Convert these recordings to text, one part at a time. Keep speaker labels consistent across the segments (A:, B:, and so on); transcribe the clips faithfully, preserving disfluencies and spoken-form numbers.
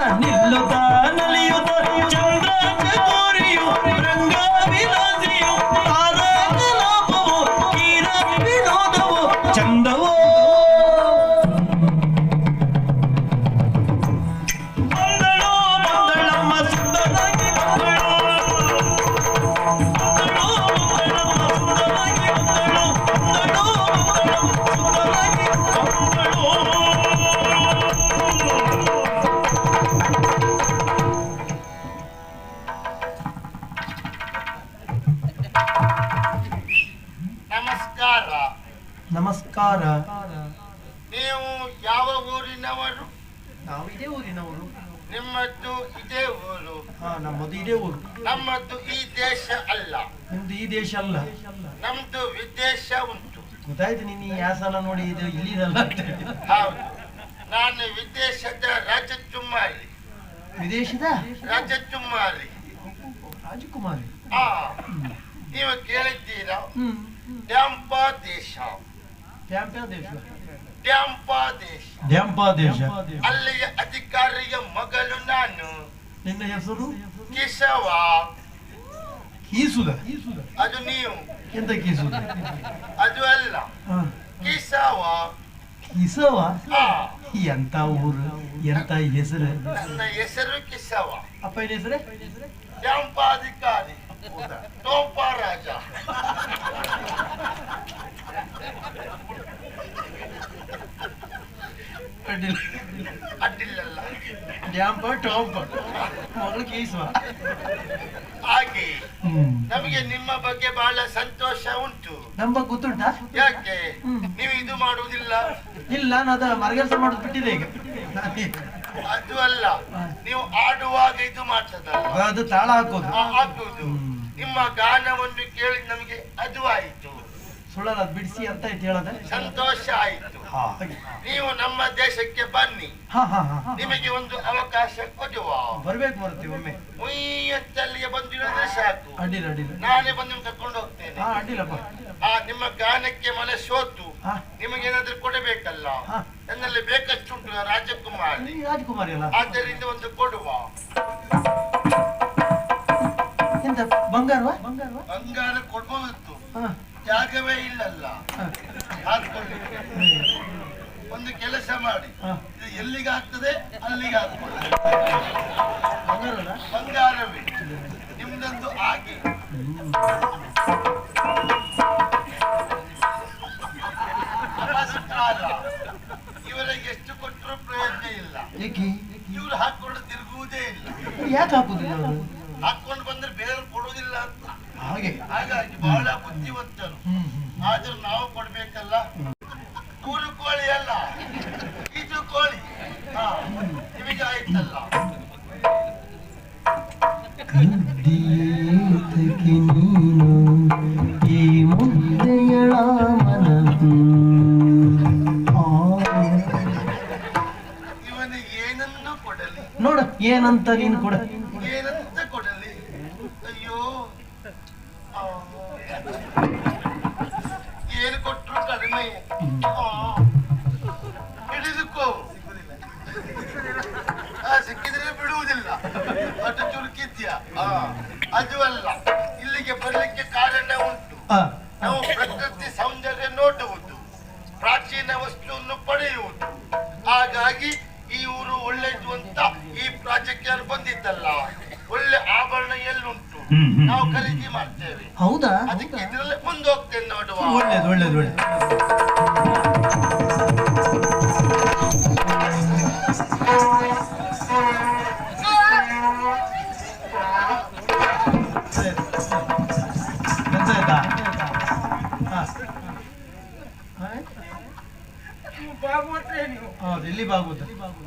A: ನಿಲ್ಲುತ್ತ ನಲಿಯುತ್ತ ಚಂದ್ರ ಚಕೋರಿಯು ರಂಗ ವಿಲಾಸಿಯು ತಾರಕ ಲಾಭವು ಕೀರ ವಿನೋದವು ಚಂದವೋ ಬಂದಳು ಬಂದಳಮ್ಮ ಸುಂದರಾಗಿ ಬಂದಳು ಬಂದಳು ಬಂದಳಮ್ಮ ಸುಂದರಾಗಿ ಬಂದಳು ಬಂದಳು ಬಂದಳಮ್ಮ ಸುಂದರಾಗಿ
B: ನಮಸ್ಕಾರ.
A: ನಮಸ್ಕಾರ.
B: ನೀವು ಯಾವ ಊರಿನವರು?
A: ನಾವು ಇದೇ ಊರಿನವರು.
B: ನಿಮ್ಮದ್ದು ಇದೇ ಊರು?
A: ಹಾ, ನಮ್ಮದು ಇದೇ ಊರು.
B: ನಮ್ಮದು ಈ ದೇಶ ಅಲ್ಲ.
A: ನಿಮ್ದು ಈ ದೇಶ ಅಲ್ಲ,
B: ನಮ್ದು ವಿದೇಶ ಉಂಟು.
A: ಗೊತ್ತಾಯ್ತು. ನೀನು ಈ ಯಾಸನ ನೋಡಿ ಇದು ಇಲ್ಲಿದಲ್ಲ ಅಂತ.
B: ಹೌದು, ನಾನು ವಿದೇಶದ ರಾಜಕುಮಾರಿ.
A: ವಿದೇಶದ
B: ರಾಜಕುಮಾರಿ
A: ರಾಜಕುಮಾರಿ.
B: ಆ ನೀವು ಕೇಳಿದ್ದೀರಾ?
A: ಹ್ಮ್.
B: ಡ್ಯಾಂಪ ದೇಶ.
A: ಡ್ಯಾಂಪ ದೇಶ.
B: ಡ್ಯಾಂಪ ದೇಶ.
A: ಡ್ಯಾಂಪ ದೇಶ.
B: ಅಲ್ಲಿಯ ಅಧಿಕಾರಿಯ ಮಗಳು ನಾನು.
A: ನಿನ್ನ ಹೆಸರು?
B: ಕೇಶವ.
A: ಕೀಸುದ?
B: ಅದು ನೀವು.
A: ಎಂತ ಕೀಸುದ?
B: ಅದು ಅಲ್ಲ,
A: ಹ.
B: ಕೇಶವ.
A: ಕಿಸವ?
B: ಆ,
A: ಎಂತ ಊರು, ಎಂತ ಹೆಸರು?
B: ನನ್ನ ಹೆಸರು ಕೇಶವ.
A: ಅಪ್ಪನ ಹೆಸರೇ?
B: ಡ್ಯಾಂಪ ಅಧಿಕಾರಿ. ಟೋಪ ರಾಜ.
A: ಅಡ್ಡಿಲ್ಲ.
B: ಅಡ್ಡಿಲ್ಲಲ್ಲ.
A: ಡ್ಯಾಂಪ ಟಾಂಪ ಮಗಳು ಕೀಸುವ.
B: ಹಾಗೆ
A: ಹ್ಮ್.
B: ನಮಗೆ ನಿಮ್ಮ ಬಗ್ಗೆ ಬಹಳ ಸಂತೋಷ ಉಂಟು.
A: ನಮ್ಮ ಗೊತ್ತುಂಟಾ?
B: ಯಾಕೆ
A: ಹ್ಮ್.
B: ನೀವು ಇದು ಮಾಡುವುದಿಲ್ಲ?
A: ಇಲ್ಲ, ನಾನು ಅದ ಮರಗೆಲ್ಸ ಮಾಡೋದು ಬಿಟ್ಟಿದೆ ಈಗ.
B: ಅದು ಅಲ್ಲ, ನೀವು ಆಡುವಾಗ ಇದು ಮಾಡ್ತದಲ್ಲ,
A: ಅದು ತಾಳ ಹಾಕೋದು.
B: ಆ, ಹಾಕುವುದು. ನಿಮ್ಮ ಗಾನವನ್ನು ಕೇಳಿ ನಮಗೆ ಅದು ಆಯಿತು.
A: ಸುಳ್ಳಲ್ಲ, ಅದು ಬಿಡಿಸಿ ಅಂತ ಆಯ್ತು ಹೇಳದ.
B: ಸಂತೋಷ ಆಯಿತು.
A: ಹಾಗೆ.
B: ನೀವು ನಮ್ಮ ದೇಶಕ್ಕೆ ಬನ್ನಿ,
A: ಹಾ ಹಾ ಹಾ.
B: ನಿಮಗೆ ಒಂದು ಅವಕಾಶ ಕೊಡುವ.
A: ಬರ್ಬೇಕು ಬರ್ತೀವಿ ಒಮ್ಮೆ.
B: ಮುಯ್ಯತ್ತಲ್ಲಿಗೆ ಬಂದಿರೋದ್ರೆ ಸಾಕು,
A: ಅಡ್ಡಿಲ್ಲ ಅಡ್ಡಿಲ್ಲ.
B: ನಾನೇ ಬಂದು ನಿಮ್ಗೆ ಕರ್ಕೊಂಡು ಹೋಗ್ತೇನೆ.
A: ಹಾ, ಅಡ್ಡಿಲ್ಲಪ್ಪ.
B: ಆ ನಿಮ್ಮ ಗಾನಕ್ಕೆ ಮನೆ ಸೋತು
A: ಹಾ.
B: ನಿಮಗೇನಾದ್ರೂ ಕೊಡಬೇಕಲ್ಲ.
A: ಹಾ.
B: ನನ್ನಲ್ಲಿ ಬೇಕಷ್ಟುಂಟು ರಾಜಕುಮಾರಿ.
A: ನೀ ರಾಜಕುಮಾರಿ ಅಲ್ಲ?
B: ಆದ್ದರಿಂದ ಒಂದು ಕೊಡುವ.
A: ಎಂತ ಬಂಗಾರವಾ? ಬಂಗಾರವಾ?
B: ಬಂಗಾರ ಕೊಡ್ಬೋದಿತ್ತು,
A: ಹಾ.
B: ಜಾಗವೇ ಇಲ್ಲಲ್ಲ.
A: ಹಾ.
B: ಹಾಕೊಳ್ಳಿ. ಒಂದು ಕೆಲಸ ಮಾಡಿ,
A: ಹಾ.
B: ಇದು ಎಲ್ಲಿಗೆ ಆಗ್ತದೆ ಅಲ್ಲಿಗೆ ಹಾಕೊಳ್ಳಿ.
A: ಬಂಗಾರಲ್ಲ?
B: ಬಂಗಾರವೇ ನಿಮ್ದೊಂದು ಆಗಿ. ನಮಸ್ಕಾರ. ಇವರಿಗೆ ಎಷ್ಟು ಕೊಟ್ಟರು ಪ್ರಯೋಜನ ಇಲ್ಲ.
A: ಏಕೆ?
B: ಇವ್ರು ಹಾಕೊಂಡು ತಿರುಗುವುದೇ ಇಲ್ಲ.
A: ಯಾಕೆ ಹಾಕುದಿಲ್ಲ ಅವರು?
B: ಹಾಕೊಂಡು ಬಂದ್ರೆ ಬೇರೆ ಕೊಡುವುದಿಲ್ಲ ಅಂತ.
A: ಹಾಗೆ.
B: ಹಾಗಾಗಿ ಬಹಳ ಬುದ್ಧಿವಂತರು.
A: ಹ್ಮ್ ಹ್ಮ್.
B: ಆದ್ರೂ ನಾವು ಕೊಡ್ಬೇಕಲ್ಲ. ಕೂರು ಕೋಳಿ ಅಲ್ಲ, ಇದು ಕೋಳಿ. ಹಾ, ನಿಮಗೆ ಆಯ್ತಲ್ಲ.
A: ಕದ್ದಿಯೇತಕ್ಕೆ ನೀನು ಈ ಮುದ್ದೆಯಳ ಮನದು.
B: ಇವನಿಗೆ ಏನನ್ನು ಕೊಡಲಿ?
A: ನೋಡ ಏನಂತ ನೀನು ಕೊಡ.
B: ಏನಂತ ಕೊಡಲಿ? ಅಯ್ಯೋ, ಆ, ಏನು ಕೊಟ್ಟರು ಕಡಿಮೆ. ಆ, ಹಿಡಿದುಕೋ. ಆ, ಸಿಕ್ಕಿದ್ರೆ ಬಿಡುವುದಿಲ್ಲ. ಅದು ಚುರುಕಿದ್ಯಾ? ಆ, ಅದು ಅಲ್ಲ, ಇಲ್ಲಿಗೆ ಬರ್ಲಿಕ್ಕೆ ಕಾರಣ ಉಂಟು.
A: ಆ,
B: ನಾವು ಪ್ರಕೃತಿ ಸೌಂದರ್ಯ ನೋಡುವುದು, ಪ್ರಾಚೀನ ವಸ್ತುವನ್ನು ಪಡೆಯುವುದು. ಹಾಗಾಗಿ ಈ ಊರು ಒಳ್ಳೆಯದು ಅಂತ ಈ ಪ್ರಾಜೆಕ್ಟ್ ಬಂದಿದ್ದಲ್ಲ. ಒಳ್ಳೆ ಆಭರಣ ಎಲ್ಲುಂಟು, ನಾವು ಖರೀದಿ ಮಾಡ್ತೇವೆ.
A: ಹೌದಾ?
B: ಅದಕ್ಕೆ ಇದರಲ್ಲೇ ಮುಂದೆ ಹೋಗ್ತೇನೆ ನೋಡುವ.
A: ಒಳ್ಳೇದು ಒಳ್ಳೇದು ಒಳ್ಳೇದು. ಎಂತ ಆಯ್ತಾ? ಹಾ. ಹಾ? ಹೌದು, ಇಲ್ಲಿ ಬಾಗುದ.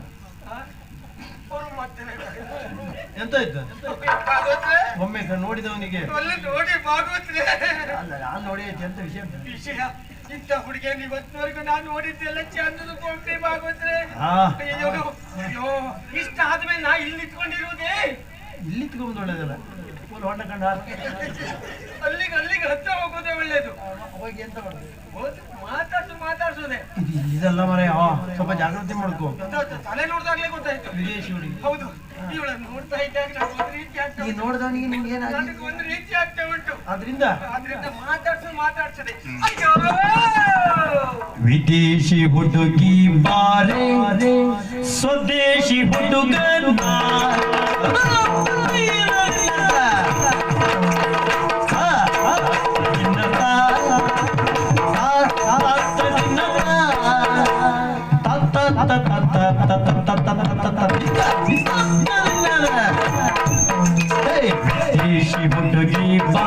A: ಎಂತ ಆಯ್ತು? ಒಮ್ಮೆ ನೋಡಿದವನಿಗೆ
C: ನೋಡಿ ಬಾಗೋತ್ರೆ.
A: ಅಲ್ಲ, ನಾನು ನೋಡಿ ಎಂತ ವಿಷಯ
C: ವಿಷಯ ಇಂಥ ಹುಡುಗಿಯನ್ನು ಇವತ್ತಿನವರೆಗೂ ನಾನು ನೋಡಿದ್ದೆಲ್ಲ ಚಂದದ ಕೊಂಪೆ ಬಾಗೋತ್ರೆ.
A: ಹಾ.
C: ಅಯ್ಯೋ ಅಯ್ಯೋ, ಇಷ್ಟ ಆದ್ಮೇಲೆ ನಾ ಇಲ್ಲಿ ನಿಂತ್ಕೊಂಡಿರುವುದೇ.
A: ಇಲ್ಲಿ ತಗೊಂಡು ಒಳ್ಳೇದಲ್ಲ. ಫುಲ್ ಹೊಂಡ ಕಂಡ
C: ಅಲ್ಲಿಗೆ ಅಲ್ಲಿಗೆ ಹತ್ರ ಹೋಗೋದೇ ಒಳ್ಳೇದು.
A: ಹೋಗಿ ಎಂತ ಮಾಡುದು?
C: ಹೌದು, ಮಾತಾಡ್ಸು ಮಾತಾಡ್ಸೋದೆ.
A: ಇದು ಇದೆಲ್ಲ ಮರ ಸ್ವಲ್ಪ ಜಾಗೃತಿ ಮಾಡ್ಕೋ.
C: ಗೊತ್ತಾಯ್ತು, ತಲೆ ನೋಡ್ದಾಗ್ಲೇ ಗೊತ್ತಾಯ್ತು.
A: ವಿದೇಶಿ ಹುಡುಗಿ.
C: ಹೌದು, ಇವಳನ್ನು ನೋಡ್ತಾ ಇದ್ದಾಗ ನನಗೆ ಒಂದು ರೀತಿ ಆಗ್ತಾ
A: ಈ
C: ಉಂಟು.
A: ನೋಡ್ದವನಿಗೆ ನಿಮ್ಗೆ ಏನಾಗಿ
C: ನನಗೆ ಒಂದು ರೀತಿ ಆಗ್ತಾ ಉಂಟು.
A: ಅದರಿಂದ
C: ಆದ್ರಿಂದ ಮಾತಾಡ್ಸು ಮಾತಾಡ್ಸದೆ. ಅಯ್ಯೋ
D: ವಿದೇಶಿ ಹುಡುಗಿ ಬಾರೆ ಸ್ವದೇಶಿ ಹುಡುಗನ ವಿದೇಶಿ ಹುಡುಗಿ ಬಾ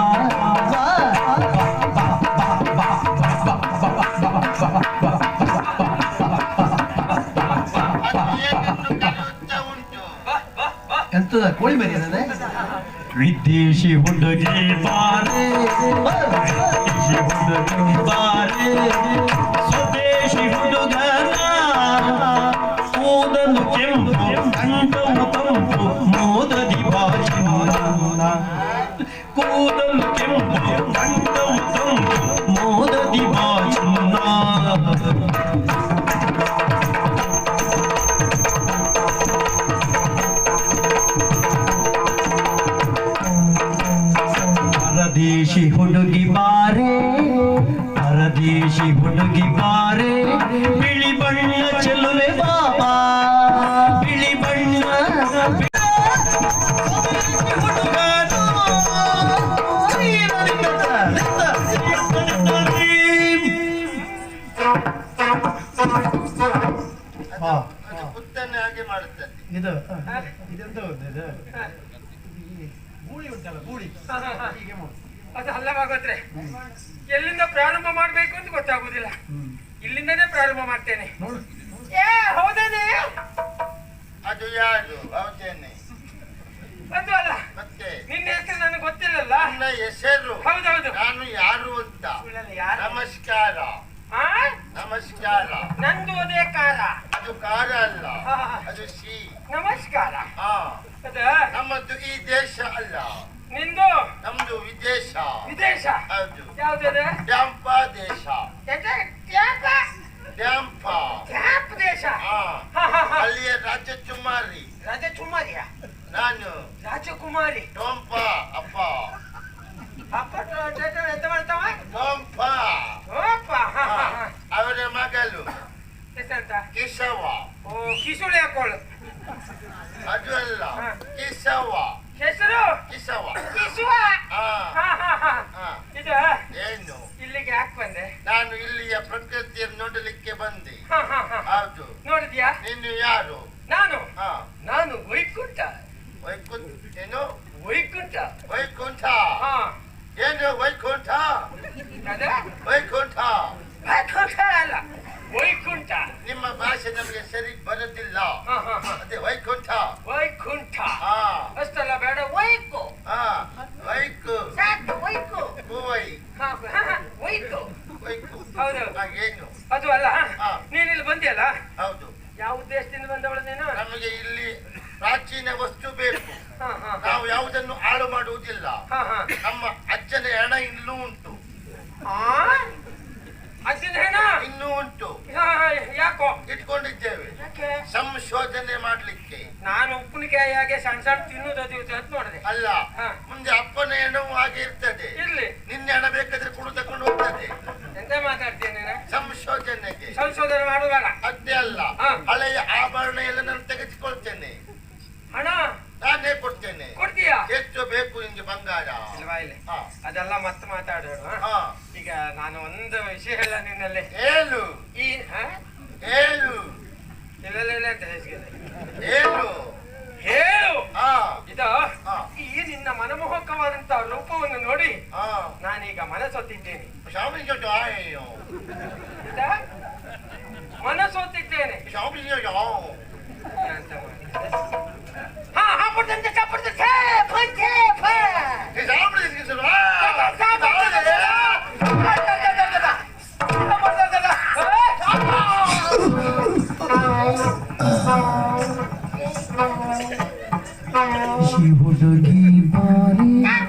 A: ಎಂತದ ಕೋಳಿ ಮರಿ ಅದೇ
D: ವಿದೇಶಿ ಹುಡುಗಿ ಬಾರೆ ವಿದೇಶಿ ಹುಡುಗಿ ಬಾರೆ ಸ್ವದೇಶಿ ಹುಡುಗನ ಕೂದಲು ಕೆಂಪು ಕಂಠವು ತಂಪು ಮೋದದಿ ಬಾಚಿನ ಕೂದಲು ಕೆಂಪು ಕಂಠವು ತಂಪು ಮೋದದಿ ಬಾಚಿನ ಪರದೇಶಿ ಹುಡುಗಿ ಬಾರೆ ಪರದೇಶಿ ಹುಡುಗಿ ಬಾರೆ ಬಿಳಿ ಬಣ್ಣ ಚೆಲುವೆ ಬಾಬಾ ಬಿಳಿ ಬಣ್ಣ
A: ಹಾ
B: ಅದು ಪುತ್ತನ್ನೇ ಹಾಗೆ ಮಾಡುತ್ತದೆ.
A: ಇದು ಇದೆಂತ ಗೊತ್ತಾ ಇದು ಈ ಗೂಳಿ ಉಂಟಲ್ಲ ಗೂಳಿ ಹೀಗೆ ಮಾಡು.
C: ಅದು ಅಲ್ಲವಾಗೋದ್ರೆ ಎಲ್ಲಿಂದ ಪ್ರಾರಂಭ ಮಾಡ್ಬೇಕು ಅಂತ ಗೊತ್ತಾಗುದಿಲ್ಲ. ಇಲ್ಲಿಂದನೇ ಪ್ರಾರಂಭ ಮಾಡ್ತೇನೆ.
A: ನೋಡು
C: ಏ ಹೌದೇನೆ,
B: ಅದು ಯಾರು? ಹೌದೇನೆ.
C: ಅದು ಅಲ್ಲ,
B: ಮತ್ತೆ
C: ನಿನ್ನ ಹೆಸರು ನನಗೆ ಗೊತ್ತಿಲ್ಲಲ್ಲ.
B: ನನ್ನ ಹೆಸರು
C: ಹೌದೌದು,
B: ನಾನು ಯಾರು ಅಂತ.
C: ಯಾರು?
B: ನಮಸ್ಕಾರ
C: ಆ?
B: ನಮಸ್ಕಾರ.
C: ನಂದು ಅದೇ ಕಾರ.
B: ಅದು ಕಾರ ಅಲ್ಲ,
C: ಹಾ.
B: ಅದು ಸಿ.
C: ನಮಸ್ಕಾರ.
B: ಹಾ,
C: ಅದ
B: ನಮ್ಮದು ಈ ದೇಶ ಅಲ್ಲ,
C: ನಿಂದು
B: ನಮ್ದು ವಿದೇಶ.
C: ವಿದೇಶ.
B: ಹೌದು,
C: ಯಾವ್ದದ?
B: ಡ್ಯಾಂಪ ದೇಶ.
C: ಎಂತ? ತ್ಯಾಪ?
B: ಡ್ಯಾಂಪ.
C: ತ್ಯಾಪ ದೇಶ.
B: ಹಾ,
C: ಹಾ, ಹಾ, ಹಾ.
B: ಅಲ್ಲಿಯ ರಾಜಕುಮಾರಿ
C: ರಾಜಕುಮಾರಿಯ?
B: ನಾನು.
C: ರಾಜಕುಮಾರಿ.
B: ಟೊಂಪ ಅಪ್ಪ.
C: ಅಪ್ಪ ಟ- ಟ- ಟ- ಎಂತ ಮಾಡ್ತಾವ?
B: ಟೊಂಪ.
C: ಓಪ್ಪ. ಹಾ, ಹಾ, ಹಾ.
B: ಅವರ ಮಗಳು
C: ಎಷ್ಟಂತ?
B: ಕಿಸವ.
C: ಓ, ಕಿಸುಳಿ ಹಾಕೊಳ್ಳು.
B: ಅದು ಅಲ್ಲ,
C: ಹಾ.
B: ಕಿಸವ.
C: ಹೆಸರು?
B: ಕಿಸವ.
C: ಕಿಸುವ.
B: ಹಾ,
C: ಹಾ, ಹಾ, ಹಾ.
B: ಹಾ.
C: ಇದು
B: ಏನು?
C: ಇಲ್ಲಿಗೆ ಯಾಕೆ ಬಂದೆ?
B: ನಾನು ಇಲ್ಲಿಯ ಪ್ರಕೃತಿಯನ್ನು ನೋಡಲಿಕ್ಕೆ ಬಂದೆ.
C: ಹಾ, ಹಾ, ಹಾ.
B: ಹೌದು.
C: ನೋಡಿದ್ಯಾ?
B: ನೀನು ಯಾರು?
C: ನಾನು
B: ಹಾ,
C: ನಾನು ವೈಕುಂಠ.
B: ವೈಕುಂಠ. ಏನು?
C: ವೈಕುಂಠ.
B: ವೈಕುಂಠ.
C: ಹಾ.
B: ಏನು ವೈಕುಂಠ?
C: ಅದ?
B: ವೈಕುಂಠ.
C: ವೈಕುಂಠ ಅಲ್ಲ, ವೈಕುಂಠ.
B: ನಿಮ್ಮ ಭಾಷೆ ನಮಗೆ ಸರಿ ಬರುತ್ತಿಲ್ಲ.
C: ಹಾ, ಹಾ, ಹಾ.
B: ಅದೇ ವೈಕುಂಠ.
C: ವೈಕುಂಠ.
B: ಹಾ,
C: ಅಷ್ಟಲ್ಲ ಬೇಡ, ವೈಕು.
B: ಹಾ, ವೈಕು.
C: ಸಾಕು, ವೈಕು.
B: ಕುವೈ.
C: ಹಾ, ಹಾ, ಹಾ, ವೈಕು.
B: ವೈಕು.
C: ಹೌದು.
B: ಹಾ, ಏನು?
C: ಅದು ಅಲ್ಲ,
B: ಹಾ.
C: ನೀನ್ ಇಲ್ಲಿ ಬಂದಿಯಲ್ಲ,
B: ಹೌದು.
C: ಯಾವ ಉದ್ದೇಶದಿಂದ ಬಂದವಳು ನೀನು?
B: ನಮಗೆ ಇಲ್ಲಿ ಪ್ರಾಚೀನ ವಸ್ತು ಬೇಕು.
C: ಹಾ, ಹಾ, ಹಾ.
B: ನಾವು ಯಾವುದನ್ನು ಹಾಳು ಮಾಡುವುದಿಲ್ಲ.
C: ಹಾ, ಹಾ.
B: ನಮ್ಮ ಅಜ್ಜನ ಹೆಣ ಇನ್ನೂ ಉಂಟು.
C: ಆ? ಅಜ್ಜನ ಹೆಣ?
B: ಇನ್ನೂ ಉಂಟು.
C: ಹಾ, ಹಾ, ಯಾಕೋ?
B: ಇಟ್ಕೊಂಡಿದ್ದೇವೆ
C: ಯಾಕೆ?
B: ಸಂಶೋಧನೆ ಮಾಡ್ಲಿಕ್ಕೆ.
C: ನಾನು ಉಪ್ಪಿನಕಾಯಿ ಹಾಗೆ ಸಣ್ಣ ಸಣ್ಣ ತಿನ್ನುವುದು ಅದು ಇದು ಅಂತ ನೋಡಿದೆ.
B: ಅಲ್ಲ,
C: ಹಾ.
B: ಮುಂದೆ ಅಪ್ಪನ ಹೆಣವು ಹಾಗೆ ಇರ್ತದೆ.
C: ಇರ್ಲಿ.
B: ನಿನ್ನೆ ಹಣ ಬೇಕಾದ್ರೆ ಕುಡು ತಕೊಂಡು ಹೋಗ್ತದೆ.
C: ಎಂತ ಮಾತಾಡ್ತೀನಿ ನೀನು?
B: ಸಂಶೋಧನೆಗೆ.
C: ಸಂಶೋಧನೆ ಮಾಡುವಾಗ
B: ಅದೇ ಅಲ್ಲ,
C: ಹಾ.
B: ಹಳೆಯ ಆಭರಣ ಎಲ್ಲ ನಾನು ತೆಗೆದುಕೊಳ್ತೇನೆ.
C: ಹಣ
B: ನಾನೇ ಕೊಡ್ತೇನೆ.
C: ಕೊಡ್ತೀಯಾ?
B: ಎಷ್ಟು ಬೇಕು ನಿಮ್ಗೆ ಬಂಗಾರ?
C: ಇಲ್ವಾ ಇಲ್ಲಿ?
B: ಹಾ.
C: ಅದೆಲ್ಲ ಮತ್ತೆ ಮಾತಾಡೋಣ.
B: ಹಾ.
C: ಈಗ ನಾನು ಒಂದು ವಿಷಯ ಹೇಳ ನಿನ್ನಲ್ಲಿ.
B: ಹೇಳು.
C: ಈ ಹಾ?
B: ಹೇಳು.
C: ಇಲ್ಲ ಇಲ್ಲ ಇಲ್ಲ ಅಂತ ಹೇಸಿಗೆ.
B: ಹೇಳು.
C: ಹೇಳು.
B: ಹಾ.
C: ಇದು
B: ಹಾ.
C: ಈ ನಿನ್ನ ಮನಮೋಹಕವಾದಂತಹ ರೂಪವನ್ನು ನೋಡಿ
B: ಹಾ.
C: ನಾನೀಗ ಮನಸೊತ್ತಿದ್ದೇನೆ.
B: ಶಾಮಿಂಗ್ ಜೊತೆ ಆಯ್ಯೋ.
C: ಇದ? ಮನಸೊತ್ತಿದ್ದೇನೆ.
B: ಶಾಮಿಂಗ್ ಜೊತೆ
C: ಅಂತ ಮಾಡಿ. ಹಾ ಹಾ ಪಡ್ತಂತೆ ಚಾಪಡ್ತಂತೆ ಛೇ ಫ ಛೇ ಫ
B: ಶಾಮಿಂಗ್ ಜೊತೆ
D: ಹುಡುಗಿ ಬಾರಿ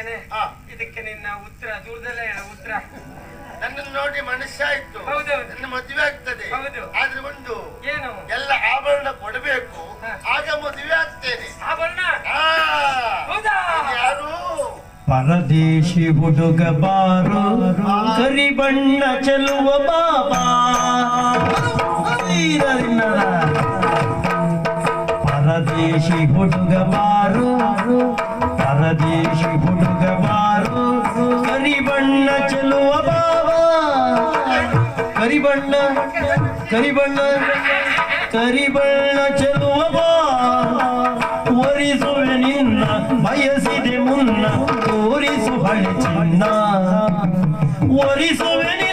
C: ಇದ್ದೇನೆ.
B: ಹಾ.
C: ಇದಕ್ಕೆ ನಿನ್ನ ಉತ್ತರ ದೂರದಲ್ಲೇ ಹೇಳ ಉತ್ತರ.
B: ನನ್ನನ್ನು ನೋಡಿ ಮನುಷ್ಯ ಆಯ್ತು,
C: ಹೌದೌದು.
B: ನನ್ನ ಮದುವೆ ಆಗ್ತದೆ.
C: ಹೌದು.
B: ಆದ್ರೆ ಒಂದು
C: ಏನು?
B: ಎಲ್ಲ ಆಭರಣ ಕೊಡಬೇಕು,
C: ಹಾ.
B: ಆಗ ಮದುವೆ ಆಗ್ತೇನೆ.
C: ಆಭರಣ?
B: ಆ,
C: ಹೌದಾ?
B: ಇದು ಯಾರು?
D: ಪರದೇಶಿ ಹುಡುಗ ಬಾರು ಕರಿಬಣ್ಣ ಚೆಲುವ ಬಾಬಾ. ಪರದೇಶಿ ಹುಡುಗ ಬಾರು ಪರದೇಶಿ ಹುಡುಗ ಬಾರು ಕರಿಬಣ್ಣ ಚೆಲುವ ಬಾಬಾ. ಕರಿಬಣ್ಣ ಕರಿಬಣ್ಣ ಕರಿಬಣ್ಣ ಚೆಲುವ ಬಾ. ಒರಿಸುವೆ ನಿನ್ನ ಬಯಸಿದೆ ಮುನ್ನ ತೋರಿಸು ಹಳೆ ಚಿನ್ನ. ಒರಿಸುವೆ